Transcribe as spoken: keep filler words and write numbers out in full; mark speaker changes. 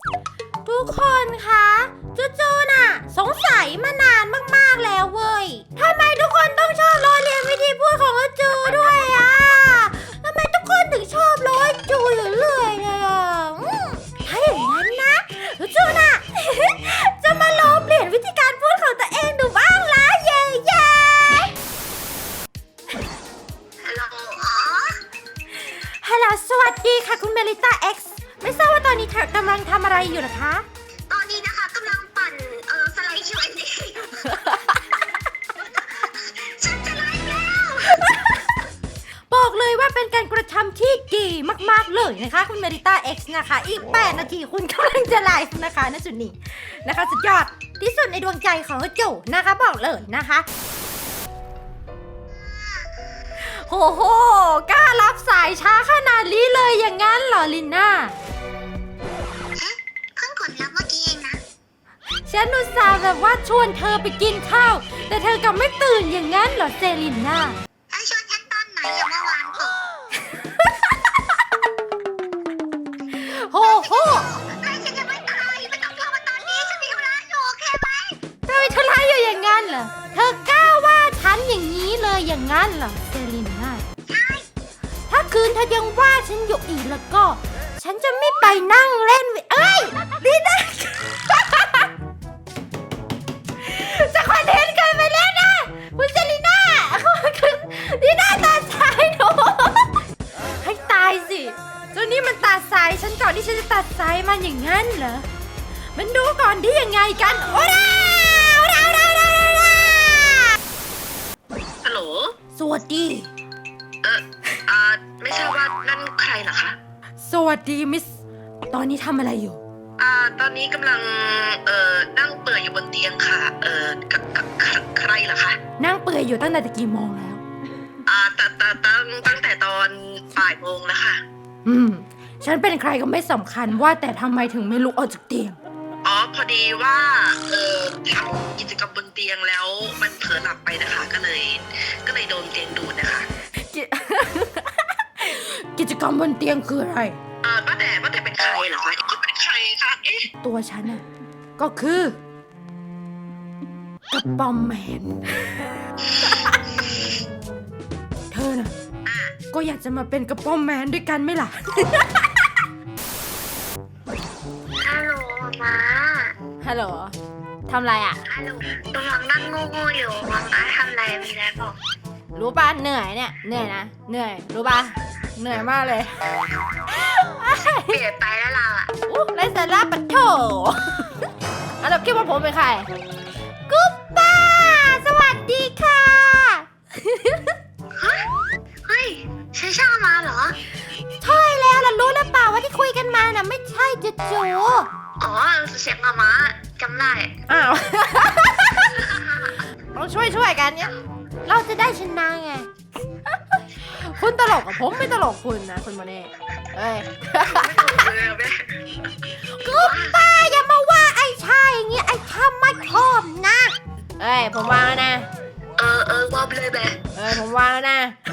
Speaker 1: ทุกคนคะจูๆน่ะสงสัยมานานมากๆแล้วเว้ยทำไมทุกคนต้องชอบล้อเลียนวิธีพูดของจูด้วยอ่ะทำไมทุกคนถึงชอบล้อจูอยู่เรื่อยเลยอ่ะอืมถ้าอย่างนั้นนะจูน่ะ จะมาลองเปลี่ยนวิธีการพูดของตัวเองดูบ้างละเย้เย้ฮัลโหลฮัลโหลสวัสดีค่ะคุณเมลิต้า X ไม่ทราบว่าตอนนี้เธอกำลังทำอะไรอยู่นะคะ
Speaker 2: ตอนนี้นะคะกำลังปั่นเออสไลด์ คิว แอนด์ เอ ฉันจะไลฟ์แล้ว
Speaker 1: บอกเลยว่าเป็นการกระทำที่ดีมากๆเลยนะคะคุณเมริต้า X นะคะอีกแปดนาทีคุณกำลังจะไลฟ์นะคะณจุดนี้นะคะสุดยอดที่สุดในดวงใจของจูนะคะบอกเลยนะคะโอ้โหกล้ารับสายช้าขนาดนี้เลยอย่างงั้นเหรอลินน่า
Speaker 2: เพิ่งกดรับเมื่อกี้เองนะ
Speaker 1: ฉันอุตส่าห์แบบว่าชวนเธอไปกินข้าวแต่เธอกลับไม่ตื่นอย่างงั้นเหรอเซลินน่า
Speaker 2: แล้วชวนฉันตอนไหนอย่าเมื่อวานเถอะ
Speaker 1: โอ้โห
Speaker 2: ไล่ฉันจะไม่ตายไม่ต้องโทรมาตอนนี้ฉันมีธุระอยู่โอเคไหม
Speaker 1: เธอมีธุระอยู่อย่างงั้นเหรอเธอกล้าว่าฉันอย่างนี้เลยอย่างงั้นเหรอเซลินน่า
Speaker 2: ใช่
Speaker 1: ถ้าคืนเธอยังว่าฉันอยู่อีกแล้วก็ฉันจะไม่ไปนั่งเล่นเอ้ยดีนะจะคอนเทนต์กันไปเล่นนะคุณเซลิน่าดีน่าตาสายหนูให้ตายสิเจ้านี่มันตาสายฉันก่อนที่ฉันจะตัดสายมันอย่างงั้นเหรอมันดูก่อนที่ยังไงกันโอ้ดาโอ้ดาโอ้ดาโอ้ดาโอ้ดา
Speaker 2: ฮัลโหล
Speaker 1: สวัสดี
Speaker 2: เอออ่าไม่ทราบว่านั่นใครเหรอคะ
Speaker 1: สวัสดีมิสตอนนี้ทำอะไรอยู่
Speaker 2: อ่าตอนนี้กำลังเอ่อนั่งเปื่อยอยู่บนเตียงค่ะเอ่อกับกับใครเหรอคะ
Speaker 1: นั่งเปื่อยอยู่ตั้งแต่กี่โมงแล้ว
Speaker 2: อ่าตั้งตั้งตั้งแต่ตอนบ่ายโมงแล้วค่ะ
Speaker 1: อืมฉันเป็นใครก็ไม่สำคัญว่าแต่ทำไมถึงไม่ลุกออกจากเตียง
Speaker 2: อ๋อพอดีว่าเออทำกิจกรรมบนเตียงแล้วมันเผลอหลับไปนะคะก็เลยก็เลยโดนเตียงดูดนะคะ
Speaker 1: กิจกรรมบนเตียงคืออะไร
Speaker 2: อ่าป้าแต่ป้าแต่เป็นใครเหรอคะก็เป็นใครคะเอ๊ะ
Speaker 1: ตัวฉันน่ะก็คือกระป๋อมแมนเธอน่ะก็อยากจะมาเป็นกระป๋อมแมนด้วยกันไหมล่ะ
Speaker 2: ฮัลโหลมา
Speaker 1: ฮัลโหลทำไรอ่ะ
Speaker 2: ฮัลโหลกำลังนั่งโง่ๆอยู่มังมาทำไรมีอะไรบอก
Speaker 1: รู้ป่ะเหนื่อยเนี่ยเหนื่อยนะเหนื่อยรู้ป่ะเหนื่อยมากเลย
Speaker 2: เปลี่ยนไปแล้วเราอ่ะ
Speaker 1: อู้ไรสาระปัดโถอันดับคิดว่าผมเป็นใครกุ๊บป้าสวัสดีค่ะ
Speaker 2: เฮ้ยใช่ช่างมาเหรอ
Speaker 1: ใช่แล้วล่ะรู้หรือเปล่าว่าที่คุยกันมาน่ะไม่ใช่จูจู
Speaker 2: อ๋อเสียงมามาจำได้
Speaker 1: อ้าวต้องช่วยช่วยกันเนี่ยเราจะได้ชนะไงคุณตลกกับผมไม่ตลกคุณนะคุณโมเน่เอ้ยกุ๊บป้าอย่ามาว่าไอ้ชายอย่างเงี้ยไอ้ข้าไม่ชอบนะเอ้ยผมวางแล้วนะ
Speaker 2: เออเออว่าไปเลยแบ
Speaker 1: เอ้ยผมวางแล้วนะ